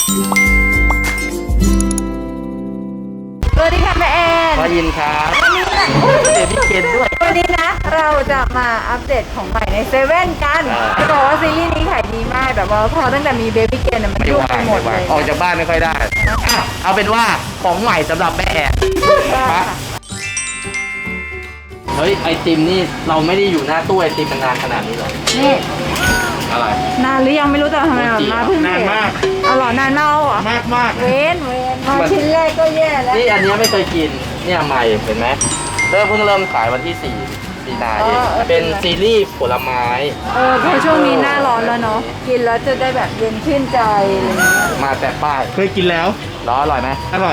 สวัสดีค่ะแม่แอนพอยินครับเบบี้เกนด้วยวันนี้นะเราจะมาอัปเดตของใหม่ในเซเว่นกันจะบอกว่าซีรีส์นี้ขายดีมากแบบว่าพอตั้งแต่มีเบบี้เกนมันยุ่งไปหมดเลยออกจากบ้านไม่ค่อยได้เอาเป็นว่าของใหม่สำหรับแม่แอนเฮ้ยไอติมนี่เราไม่ได้อยู่หน้าตู้ไอติมนานขนาดนี้หรอนี่อะไรนานหรือยังไม่รู้แต่ทำไมแบบมาเพิ่งนานมากอร่อยนานมากเหรอมากเว้นมาชิ้นแรกก็แย่แล้วนี่อันนี้ไม่เคยกินเนี่ยใหม่เห็นไหมเพิ่งเริ่มขายวันที่4 มีนาเองเป็นซีรีส์ผลไม้เพราะช่วงนี้หน้าร้อนแล้วเนาะกินแล้วจะได้แบบเย็นชื่นใจมาแต่ป้ายเคยกินแล้วอร่อยไหมอร่อย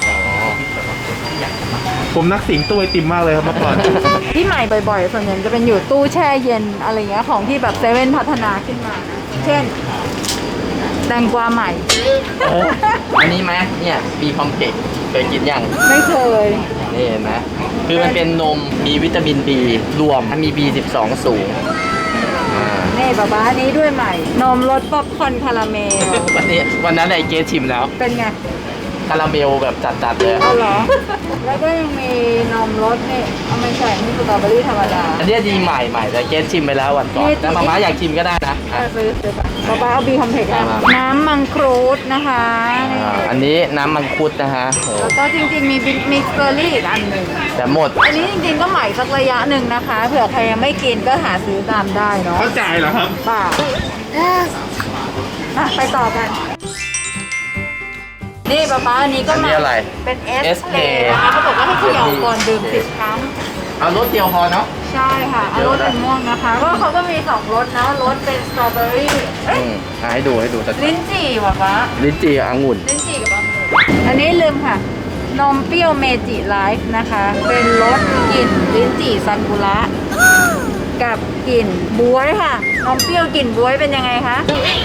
ผมนักสิงตู้ไอติมมากเลยครับเมื่อก่อนที่ใหม่บ่อยๆส่วนใหญ่จะเป็นอยู่ตู้แช่เย็นอะไรเงี้ยของที่แบบเซเว่นพัฒนาขึ้นมาเช่นแตงกวาใหม่อันนี้ไหมเนี่ยบีคอมเพล็กซ์เคยกินยังไม่เคยนี่เห็นไหมคือมันเป็นนมมีวิตามิน B รวมมี B12 สูงนี่ป๊าอันนี้ด้วยใหม่นมรสป๊อปคอร์นคาราเมลวันนั้นไอเกสชิมแล้วเป็นไงคาราเมลแบบจัดๆเลยอ๋อเหรอแล้วก็ยังมีนมรสนี่เอาไม่ใช่นี่สตรอเบอรี่ธรรมดาอันนี้ดีใหม่แต่เกสชิมไปแล้ววันก่อนแต่มาม่าอยากชิมก็ได้นะซื้อป๊าเอาบีคอมเพล็กซ์น้ำมังคุดนะคะอันนี้น้ำมังคุดนะฮะแล้วก็จริงๆมีมิกซ์เบอร์รี่อีกอันหนึ่งแต่หมดอันนี้จริงๆก็ใหม่สักระยะหนึ่งนะคะเผื่อใครยังไม่กินก็หาซื้อตามได้เนาะเข้าใจเหรอครับป่าไปต่อกันนี่ป๊าอันนี้ก็มาเป็น SK นะคะเขาบอกว่าให้เขย่าก่อนดื่ม10 ครั้งเอารสเดียวพอเนาะใช่ค่ะเอารสเป็นม่วงนะคะก็เขาก็มี2รสนะรสเป็นสตรอเบอรี่ให้ดูลิ้นจี่ป๊าลิ้นจี่องุ่นลิ้นจี่กับองุ่นอันนี้ลืมค่ะนมเปรี้ยวเมจิไลฟ์นะคะเป็นรสกลิ่นลิ้นจี่ซากุระกับกลิ่นบ๊วยค่ะนมเปรี้ยวกลิ่นบ๊วยเป็นยังไงคะ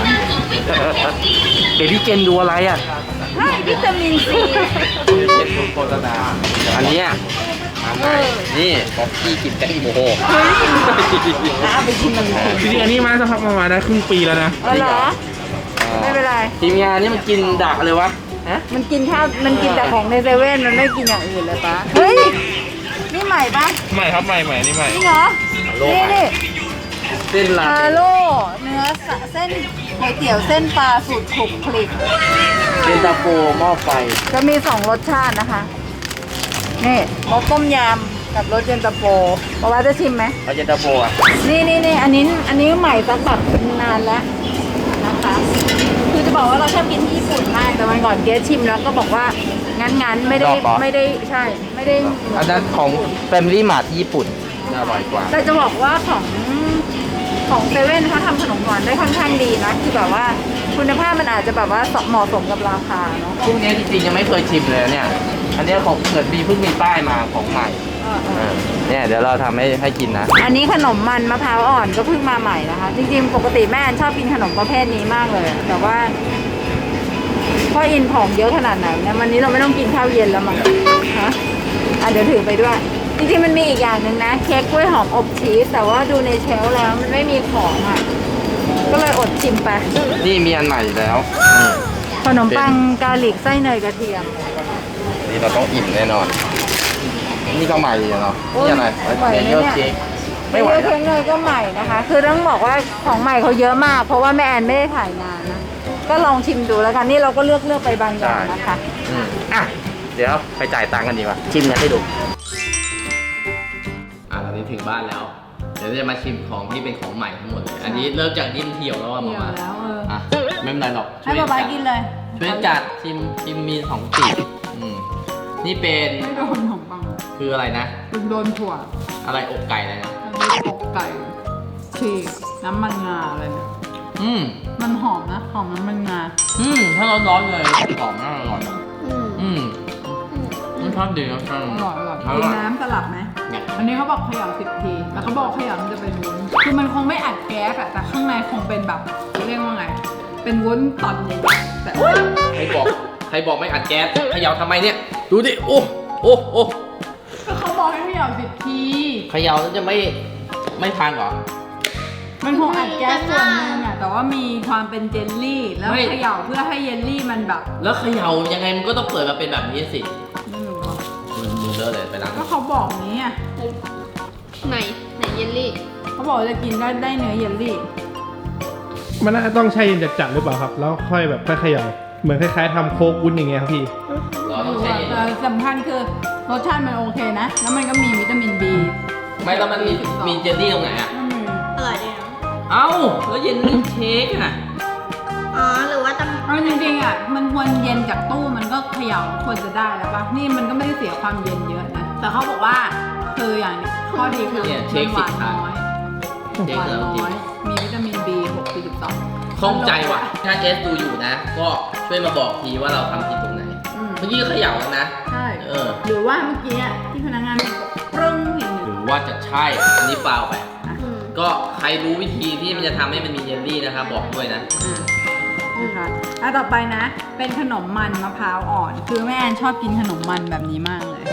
เบบี้เกนดูอะไรอ่ะให้วิตามินซีเป็นโฆษณาอันนี้นี่ป๊อปปี้กินแตงโมเอาไปกินมันจริงๆอันนี้มาสักพักมาได้ครึ่งปีแล้วนะเหรอไม่เป็นไรทีมงานนี่มันกินดักเลยวะมันกินข้าวมันกินแต่ของในเซเว่นมันไม่กินอย่างอื่นเลยปะเฮ้ยนี่ใหม่ปะใหม่ครับใหม่นี่ใหม่จริงเหรอนี่เส้นลาโลเนื้อเส้นก๋วยเตี๋ยวเส้นปลาสูตรคลุกคลิกเย็นตาโฟหม้อไฟจะมี2รสชาตินะคะนี่รสต้มยำกับรสเย็นตาโฟบอกว่าจะชิมไหมเอาเย็นตาโฟอ่ะนี่อันนี้ใหม่สักแบบนานแล้วนะคะคือจะบอกว่าเราชอบกินที่ญี่ปุ่นมากแต่วันก่อนเกสชิมแล้วก็บอกว่างั้นไม่ได้ใช่ไม่ได้อันนั้นของ Family Mart ที่ญี่ปุ่นอร่อยกว่าแต่จะบอกว่าของเซเว่นเขาทำขนมหวานได้ค่อนข้างดีนะคือแบบว่าคุณภาพมันอาจจะแบบว่าเหมาะสมกับราคาเนาะพวกนี้จริงๆยังไม่เคยชิมเลยเนี่ยอันนี้ของเกิดเพิ่งมีป้ายมาของใหม่เนี่ยเดี๋ยวเราทำให้กินนะอันนี้ขนมมันมะพร้าวอ่อนก็เพิ่งมาใหม่นะคะจริงๆปกติแม่ชอบกินขนมประเภทนี้มากเลยแต่ว่าพ่ออินของเยอะขนาดไหนเนี่ยวันนี้เราไม่ต้องกินข้าวเย็นแล้วมั้งฮะเดี๋ยวถือไปด้วยจริงๆมันมีอีกอย่างหนึ่งนะเค้กกล้วยหอมอบชีสแต่ว่าดูในเชลฟ์แล้วมันไม่มีของอ่ะก็เลยอดชิมไปนี่มีอันใหม่แล้วขนมปังกาลิกไส้เนยกระเทียมนี่เราต้องอิ่มแน่นอนนี่ก็ใหม่เนาะนี่อะไรเยอะเค้กไม่ไหวเค้กเนยก็ใหม่นะคะคือต้องบอกว่าของใหม่เขาเยอะมากเพราะว่าแม่แอนไม่ได้ถ่ายนานนะก็ลองชิมดูแล้วกันนี่เราก็เลือกไปบางอย่างนะคะเดี๋ยวไปจ่ายตังค์กันดีกว่าชิมกันให้ดูตอนนี้ถึงบ้านแล้วเดี๋ยวจะมาชิมของที่เป็นของใหม่ทั้งหมดอันนี้เริ่มจากนิ่มเที่ยวแล้วอะมาไม่เป็นไรหรอกให้ป๊าป๊ากินเลยช่วยจัดชิมมี2 ปีนี่เป็นไม่โดนของปังคืออะไรนะเป็นโดนถั่วอะไรอกไก่เลยนะอกไก่ฉีกน้ำมันงาอะไรเนี่ยมันหอมนะหอมน้ำมันงาถ้าร้อนๆเลยหอมน่าอร่อยมันชอบดีนะอร่อยกินน้ำสลับไหมอันนี้เขาบอกเขย่า10 ทีแล้วเขาบอกเขย่ามันจะเป็นวุ้นคือมันคงไม่อัดแก๊สแต่ข้างในคงเป็นแบบเรียกว่าไงเป็นวุ้นตอนใหญ่แต่ใครบอกไม่อัดแก๊สเขย่าทำไมเนี่ยดูดิโอ้ก็เขาบอกให้เขย่า10 ทีเขย่าแล้วจะไม่พังเหรอมันคงอัดแก๊สส่วนหนึงอะแต่ว่ามีความเป็นเจลลี่แล้วเขย่าเพื่อให้เยลลี่มันแบบแล้วเขย่ายังไงมันก็ต้องเปิดมาเป็นแบบนี้สิไม่รู้อะมือเลอะเลยไปล้างก็เขาบอกนี้อะไหนเยลลี่เขาบอกจะกินได้เนื้อเยลลี่มันน่าจะต้องใช้เย็นจัดๆหรือเปล่าครับ แล้วค่อยแบบค่อยเขย่าเหมือนคล้ายๆทำโค้กวุ้นอย่างเงี้ยครับพี่เราต้องใช้เย็นแต่สำคัญคือรสชาติมันโอเคนะ แล้วมันก็มีวิตามิน B ไม่แล้วมันมีเจลลี่ตรงไหนอ่ะก็มีอร่อยดีนะเอ้าแล้วเย็นนี่เค้กอ่ะอ๋อหรือว่าต้องเอาจริงๆอ่ะมันควรเย็นจากตู้มันก็เขย่าควรจะได้แล้วปะนี่มันก็ไม่ได้เสียความเย็นเยอะนะ แต่เขาบอกว่าคืออย่างนี้ข้อดีคือเนี่ยเค้มักนหวานน้อยเค้กหวานแล้วจริงน้อย มีวิตามิน B 6 ข้องใจว่ะ ถ้าเอสดูอยู่นะ ก็ช่วยมาบอกทีว่าเราทำผิดตรงไหน เมื่อกี้ก็เขย่าแล้วนะใช่เออหรือว่าเมื่อกี้อะที่พนักงานบอกปรึ้งเห็นหรือว่าจะใช่ อันนี้เปล่าไปอืมก็ใครรู้วิธีที่มันจะทำให้มันมีเยลลี่นะครับ บอกด้วยนะนะคะแล้วต่อไปนะ เป็นขนมมันมะพร้าวอ่อน คือแม่แอนชอบกินขนมมันแบบนี้มากเลย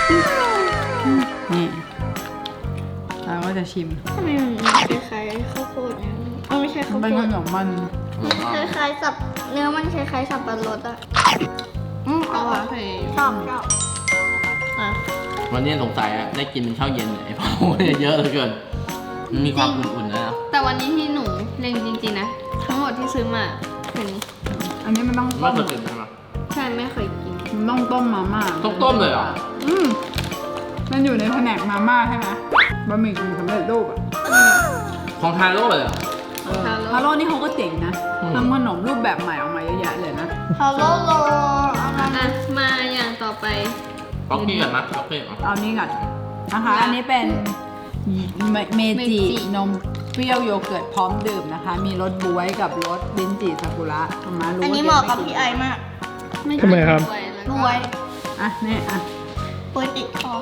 นี่เราก็จะชิมทำไมมันคล้ายๆข้าวโพดเนี่ยไม่ใช่ข้าวเป็นโพขดนมมันคล้ายๆสับเนื้อมันคล้ายๆสับปะรดอะเอาอะชอบอ่ะวันนี้สงสัยอะได้กินเป็นข้าวเย็นเนี่ยเพราะว่าเยอะเหลือเกิน มันมีความอุ่นๆนะแต่วันนี้ที่หนูเล็งจริงๆนะ ทั้งหมดที่ซื้อมาคือนี้อันนี้มันต้องไม่ต้มเคยกินใช่ไหมใช่ไม่เคยกินมันต้องต้มมาม่าต้องต้มเลยเหรอมันอยู่ในแผนกมาม่าใช่ไหมบะหมี่กึ่งสำเร็จรูปอ่ะของทาโร่เลยเหรอฮาโร่นี่เขาก็เจ๋งนะอืมทำขนมรูปแบบใหม่ออกมาเยอะแยะเลยนะฮัลโหลโลอ่ะมาอย่างต่อไปป๊อกกี้ก่อนนะป๊อกกี้ก่อนเอานี้ก่อนนะคะ อันนี้เป็นเมจินมเปรี้ยวโยเกิร์ตพร้อมดื่มนะคะ มีรสบ๊วยกับรสลิ้นจี่ซากุระทำมารู้อันนี้เหมาะกับพี่ไอมากทำไมครับรวยอ่ะนี่อ่ะป่วยติดคอ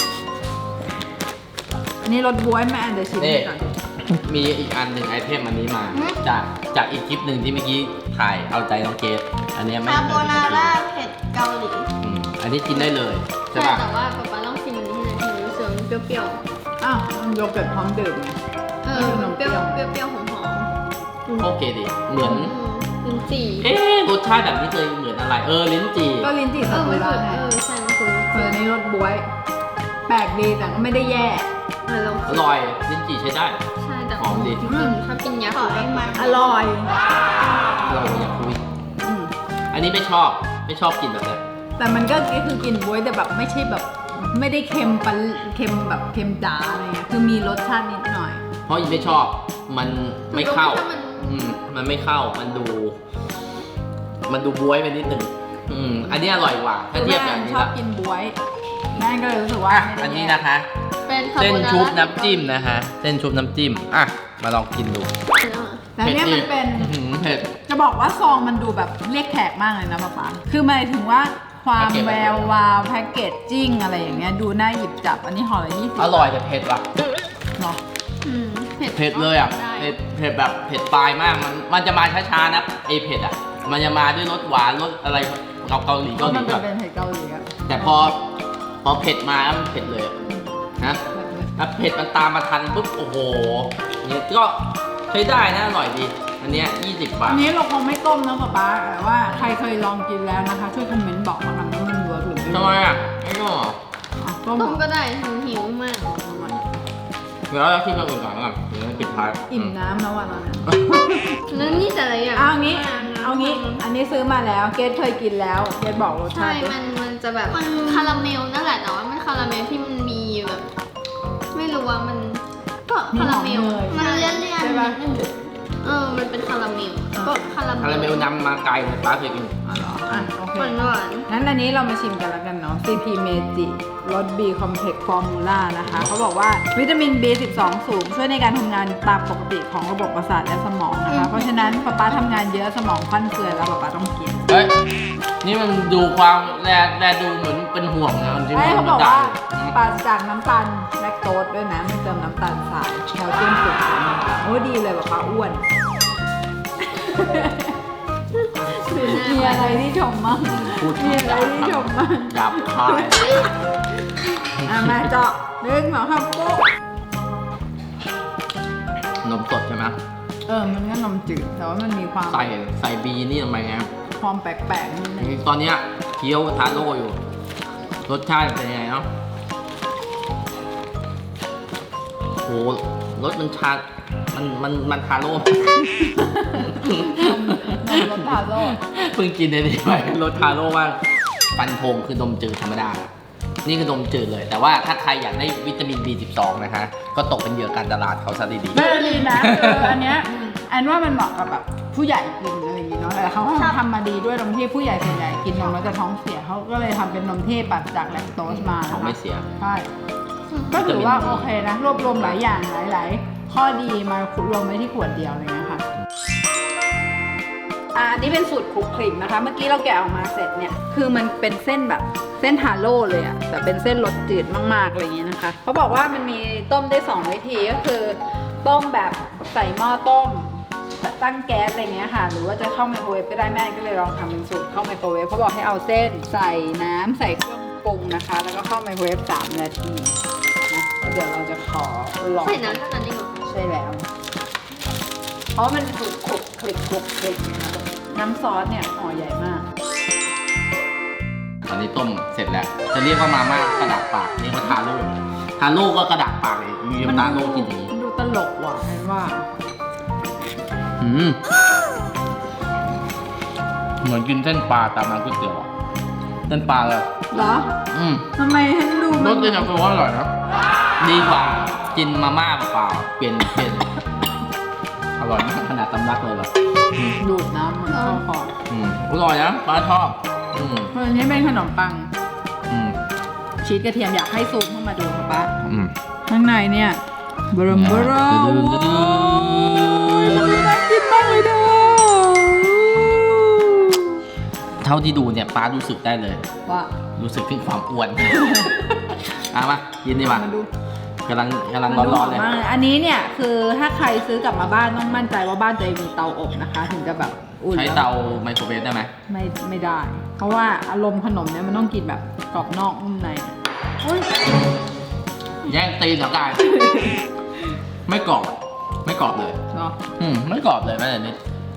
อันนี้รสบ๊วยแม่อันเดี๋ยวชิมให้ก่อนมีอีกอันหนึ่งไอเทมอันนี้มาหืมจากอีกคลิปหนึ่งที่เมื่อกี้ถ่ายเอาใจน้องเกดอันเนี้ยไม่คาเคโบยนากินร่าเผ็ดเกาหลีอันนี้กินได้เลยใช่ใช่ป่ะแต่ว่าป๊าป๊าต้องชิมอันนี้ให้หน่อยถึงรู้สึกมันเปรี้ยวอ้าวมันโยเกิร์ตพร้อมดื่มไงๆมันเปรี้ยวเปรี้ยวหอมโอเคดิเหมือนลิ้นจี่เอ๊ะรสชาติแบบนี้เคยเหมือนอะไร ลิ้นจี่ก็ลิ้นจี่ซากุไม่ระถูกไงใช่มันคืออันนี้รสบ๊วย แปลกดีแต่ก็ไม่ได้แย่ลองอร่อยลิ้นจี่ใช้ได้ใช่แต่หอมดีจริงๆถ้ากินยาขอให้มันอร่อยอร่อยอย่างคุยอืมอันนี้ไม่ชอบกินแบบนี้แต่มันก็คือกินบ๊วยแต่แบบไม่ใช่แบบไม่ได้เค็มปันเค็มแบบเค็มจ๋าอะไรเงี้ยคือมีรสชาตินิดหน่อยเพราะอีไม่ชอบมันไม่เข้าถ้ามันมันไม่เข้ามันดูบ๊วยไปนิดหนึ่งอันนี้อร่อยกว่าถ้าเทียบกับอันนี้ชอบละกินบ๊วยแม่ก็เลยรู้สึกว่าอ่ะไม่ได้อันนี้แย่นะคะเป็นคาเส้นโบนาร่าชุบน้ำจิ้มนะคะเส้นชุบน้ำจิ้มอ่ะมาลองกินดูแต่เนี่ยมันเป็นเผ็ดจะบอกว่าซองมันดูแบบเรียกแขกมากเลยนะป๊าป๊าคือหมายถึงว่าความแพ็กเกจแวววาวแพ็กเกจจิ้งอะไรอย่างเงี้ยดูน่าหยิบจับอันนี้ห่อละ20 อร่อยแต่เผ็ดว่ะเนาะเผ็ดเลยอ่ะได้เผ็ดแบบเผ็ดปลายมากมันจะมาช้าๆนะไอเผ็ดอ่ะมันจะมาด้วยรสหวานรสอะไรเกาหลีเพราะมันก่อนเป็นเผ็ดเกาหลีอะแต่พอเผ็ดมาแล้วมันเผ็ดเลยอะนะถ้าเผ็ดมันตามมาทันปุ๊บโอ้โหเนี่ยก็ใช้ได้นะอร่อยดีอันเนี้ย20 บาอัทนนี้เราคงไม่ต้มนะป๊าป๊าแต่ว่าใครเคยลองกินแล้วนะคะ ช่วยคอมเมนต์บอกมาหน่อยว่ามันเวิร์กหรือไม่ทำไมอ่ะไอ้ก็อ่ะต้มต้มก็ได้หิวมากเดี๋ยวเราคิดมาก่อนก่อนเดี๋ยวปิดท้ายอิ่มน้ำแล้ววันนั้นแล้วนี่แต่ละอย่างเอางี้ อันนี้ซื้อมาแล้ว เกดเคยกินแล้ว เกดบอกรสชาใช่ติดิมันจะแบบคาราเมลนั่นแหละแต่ว่ามันคาราเมลที่มันมีแบบ ไม่รู้ว่ามันก็คาราเมลมันเลี่ยนใช่ปะมันเป็นคาราเมลก็คาราเมลคาราเมลนำมาไกลเลยป้าเคยกินอ๋อเหรออ่ะโอเคหวานงั้นอันนี้เรามาชิมกันแล้วกันเนาะ CP Meiji รส B Complex Formula นะคะ เขาบอกว่าวิตามิน B12 สูง ช่วยในการทำงานตามปกติของระบบประสาทและสมองนะคะ เพราะฉะนั้นป๊าทำงานเยอะสมองฟั่นเฟือยแล้วป๊าต้องกินเฮ้ย นี่มันดูความแลดูเหมือนเป็นห่วงนะจริงๆเฮ้ยมัเขานบอกด่าว่าปราศจากน้ำตาลแลคโตสด้วยนะไม่เติมน้ำตาลทรายแคลเซียมสูงโอ้ดีเลยป๊าอ้วน มีอะไรที่ชมมั่งพูดมีอะไรที่ชมมั่งหยาบคายอ่ะมาเจาะ1 2 3ปุ๊บนนมสดใช่ไหมมันก็นมจืดแต่ว่ามันมีความใส่บีนี่ทำไมไงความแปลกๆนิดนึงตอนเนี้ยเคี้ยวทาโร่อยู่ รสชาติเป็นยังไงเนาะโหรสมันชามันทาโร่รสทาโร่เพิ่งกินได้ดีไปรสทาโร่ว่างฟันธงคือนมจืดธรรมดา นี่คือนมจืดเลย แต่ว่าถ้าใครอยากได้วิตามิน B12 นะคะ ก็ตกเป็นเหยื่อการตลาดเขาซะดีไม่ดีนะอันเนี้ยอันว่ามันเหมาะกับแบบผู้ใหญ่กินอะไรอย่างงี้เนาะแต่เขาก็ทำมาดีด้วยตรงที่ผู้ใหญ่ส่วนใหญ่กินนมแล้วจะท้องเสียเขาก็เลยทำเป็นนมที่ปราศจากแลคโตสมาๆเขานะคะไม่เสียใช่ก็ถือว่าโอเคนะรวบรวมหลายอย่างหลายๆข้อดีมารวมไว้ที่ขวดเดียวเลยนะคะอันนี้เป็นสูตรคลุกคลิกนะคะ เมื่อกี้เราแกะออกมาเสร็จเนี่ยคือมันเป็นเส้นแบบเส้นทาโร่เลยอะแต่เป็นเส้นรสจืดมากๆอะไรอย่างนี้นะคะเขาบอกว่ามันมีต้มได้2 วิธีก็คือต้มแบบใส่หม้อต้มตั้งแก๊สอะไรเงี้ยค่ะหรือว่าจะเข้าไมโครเวฟก็ได้แม่ก็เลยลองทำเป็นสูตรเข้าไมโครเวฟเขาบอกให้เอาเส้นใส่น้ำใส่เครื่องปรุงนะคะแล้วก็เข้าไมโครเวฟ3 นาทีนะเดี๋ยวเราจะขอลองใส่น้ำเท่านั้นเองเหรอใช่แล้วเพราะมันถูกคลุกคลิกคลุกคลิกนะคะน้ำซอสเนี่ยห่อใหญ่มากตอนนี้ต้มเสร็จแล้ว จะเรียกว่ามาม่ากระดาษปากเรียกว่าทาโร่ทาโร่ก็กระดาษปากเลยมีทาโร่กินอย่างนี้มันดูตลกว่ะเห็นว่าเหมือนกินเส้นปลาตามร้านก๋วยเตี๋ยวอะเส้นปลาเลยเหรอทำไมให้ดูรสเย็นตาโฟอร่อยนะดีกว่ากินมาม่าเปล่าๆเปลี่ยนอร่อยมากขนาดตำลักเลยเหรอดูดน้ำมันเข้าคออร่อยนะป้าชอบเพราะอันนี้เป็นขนมปัง ชีสกระเทียมอยากให้ซูมเข้ามาดูค่ะป้าข้างในเนี่ยบรมบรมน่ากินมากเลยเด้อเท่าที่ดูเนี่ยป้ารู้สึกได้เลยว่ารู้สึกถึงความอ้วน มากินดีกว่ามาดูกำลังร้อนๆเลยมากอันนี้เนี่ยคือถ้าใครซื้อกลับมาบ้านต้องมั่นใจว่าบ้านตัวเองมีเตาอบนะคะ ถึงจะแบบอุ่นใช้เตาไมโครเวฟได้ไหมไม่ได้ เพราะว่าอารมณ์ขนมเนี่ยมันต้องกินแบบกรอบนอกนุ่มในอุ๊ยแย่งตีนเหรอกาย ไม่กรอบเลยเนาะไม่กรอบเลยแม้แต่นิด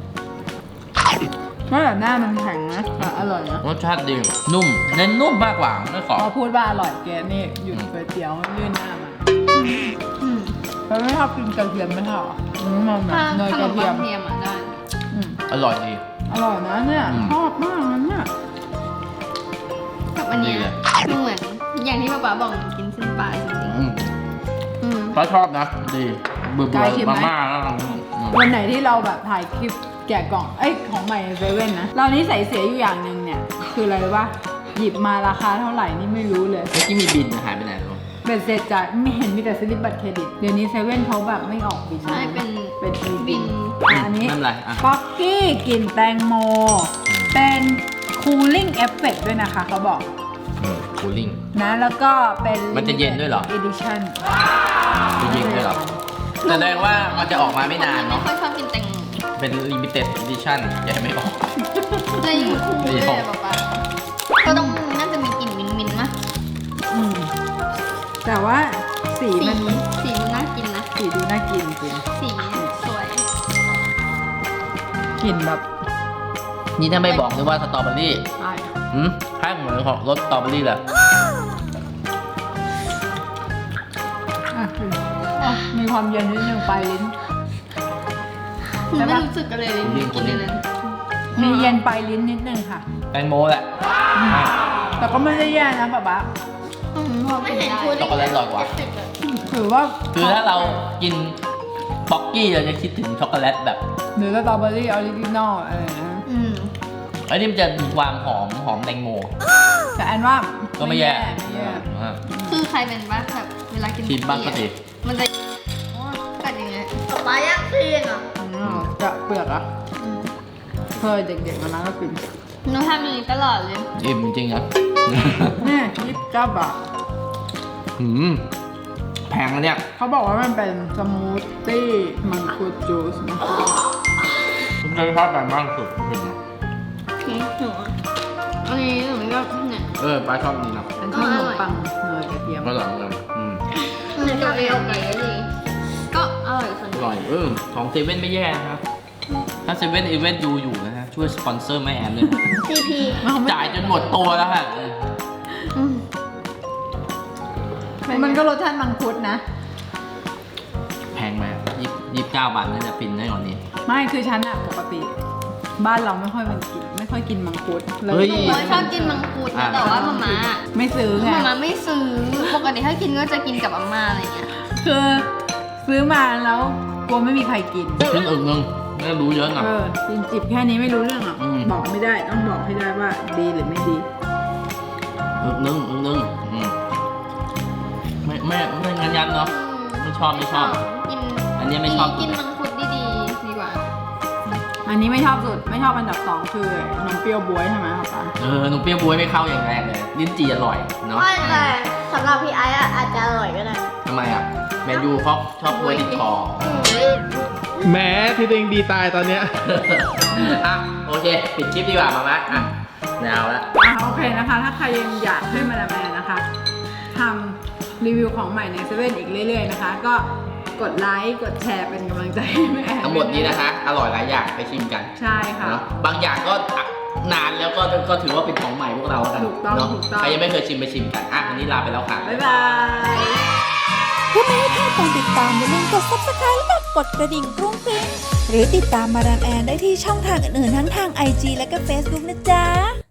เพราะแบบหน้ามันแข็งนะแต่อร่อยนะรสชาติดีนุ่มเน้นนุ่มมากกว่าไม่กรอบพอพูดว่าอร่อยแกนี่หยุดก๋วยเตี๋ยวยื่นหน้ามาเราไม่ชอบกินกระเทียมไม่ชอบมันแบบถ้าเนยขกนระมเทีปัยงมเทียมอ่ะได้อร่อยดีอร่อยนะเนี่ยชอบมากนะเนี่ยกับอันเนี้ยดีเลยคือเหมือนอย่างที่ป๊าบอกกินเส้นปลาจริงๆป้าชอบนะดีเบื่อมาม่าแล้ววันไหนที่เราแบบถ่ายคลิปแกะกล่องของใหม่ในเซเว่นนะเรานี่ใส่เสียอยู่อย่างหนึ่งเนี่ยคืออะไรรู้ป่ะหยิบมาราคาเท่าไหร่นี่ไม่รู้เลยเมื่อกี้มีบินหายไปไหนแล้วเบ็ดเสร็จจ่ายไม่เห็นมีแต่สลิปบัตรเครดิตเดี๋ยวนี้เซเว่นเขาแบบไม่ออกบินใช่เป็นบินอันนี้ไม่เป็นไรอ่ะป๊อกกี้กลิ่นแตงโมเป็นคูลิ่งเอฟเฟกด้วยนะคะเขาบอกคูลิ่งนะแล้วก็เป็นมันจะเย็นด้วยเหรอ edition จะยิงด้วยเหรอแสดงว่ามันจะออกมาไม่นานเนาะไม่ค่อยชอบกินแตงโมเป็น limited edition อย่าให้ไม่ออกเลยยิ่งคุ้มเลยป๊าก็ต้องน่าจะมีกลิ่นมิ้นๆนะแต่ว่าสีสีมันมันน่ากินนะสีดูน่ากินจริงสีสวยกลิ่นแบบนี่ถ้าไม่บอกเลยว่าสตรอเบอรี่ใช่ให้เหมือนของรสสตรอเบอรี่เลยมีความเย็นนิดนึงปลายลิ้นไม่รู้สึกอะไรเลยกินเลยนั้นมีเย็นปลายลิ้นนิดนึงค่ะแตงโมแหละแต่ก็ไม่ได้แย่นะป๊าป๊าไม่เห็นพูดช็อกโกแลตอร่อยกว่าถือว่าคือถ้าเรากินป๊อกกี้เราจะคิดถึงช็อกโกแลตแบบหรือสตรอเบอรี่ออริจินอลอะไรนะไอ้นี่มันจะมีความหอมแตงโมแต่อันว่าก็ไม่แย่ไม่แย่คือใครเป็นบ้างแบบเวลากินชิมบ้างก็สิมันจะกัดอย่างเงี้ยป๊าย่างซีนอ่ะจะเปลือกอ่ะเคยเด็กๆมาแล้วก็กินหนูทำอย่างนี้ตลอดเลยอิ่มจริงๆครับนี่29 บาทแพงนะเนี่ยเขาบอกว่ามันเป็นสมูทตี้มังคุดจูสนะคะผมเคยชอบแบบมากสุดคืออันนี้หนูก็เนี่ยป้าชอบนี่นะเป็นขนมปังเนยกระเทียมก็อร่อยเหมือนกันมันจะเอาไก่เลยก็อร่อยส่วนอร่อยของเซเว่นไม่แย่นะครับ ถ้าเซเว่นอีเวนต์อยู่นะฮะช่วยสปอนเซอร์แม่แอมด้วยนะ CP จ่ายจนหมดตัวแล้วฮะมันก็รสชาติมังคุดนะแพงไหม29 บาทน่าจะฟินได้กว่านี้ไม่คือฉันอะปกติ บ้านเราไม่ค่อยกินมังคุดเลเฮ้ยยหนูชอบกินมังคุดนะแต่ว่ามาม่าไม่ซื้อไงมาม่าไม่ซื้อ ปกติถ้ากินก็จะกินกับอาม่าอะไรเงี้ยคือซื้อมาแล้วกลัวไม่มีใครกินซึ่งนึงไม่รู้เยอะหน่อยกินจิบแค่นี้ไม่รู้เรื่องหรอกอืมบอกไม่ได้ต้องบอกให้ได้ว่าดีหรือไม่ดีนึงไม่งั้นยันเนาะไม่ชอบกินอันนี้ไม่ชอบกินมังคุดดีๆดีกว่าอันนี้ไม่ชอบสุดไม่ชอบอันดับ2คือนมเปรี้ยวบ๊วยใช่ไหมครับป้าหนูเปรี้ยวบวยไม่เข้าอย่างแรกเลยลิ้นจี่อร่อยเนาะไม่แต่สำหรับพี่ไอ้อะอาจจะอร่อยก็ได้ทำไมอ่ะแมนยูเพราะชอบบวยติดคอแหมที่ตัวเองดีตายตอนเนี้ยอ่ะโอเค ปิดคลิปดีกว่ามาไหมอ่ะแนวแล้วโอเคนะคะ ถ้าใครยังอยากให้มาดามแอนนะคะทำรีวิวของใหม่ในเซเว่นอีกเรื่อยๆนะคะ ก็กดไลค์กดแชร์เป็นกำลังใจให้แม่แอนทั้งหมดนี้นะคะ อร่อยหลายอย่างไปชิมกันใช่ค่ะเนาะบางอย่างก็นานแล้วก็ถือว่าเป็นของใหม่พวกเรากันถูกต้องเนาะถูกต้องใครยังไม่เคยชิมไปชิมกันอ่ะวันนี้ลาไปแล้วค่ะบ๊ายบายเพื่อไม่ให้พลาดการติดตามอย่าลืมกด subscribe และกดกระดิ่งกรุ้งกริ้งหรือติดตามมาดามแอนได้ที่ช่องทางอื่นๆทั้งทาง IG และก็ Facebook นะจ๊ะ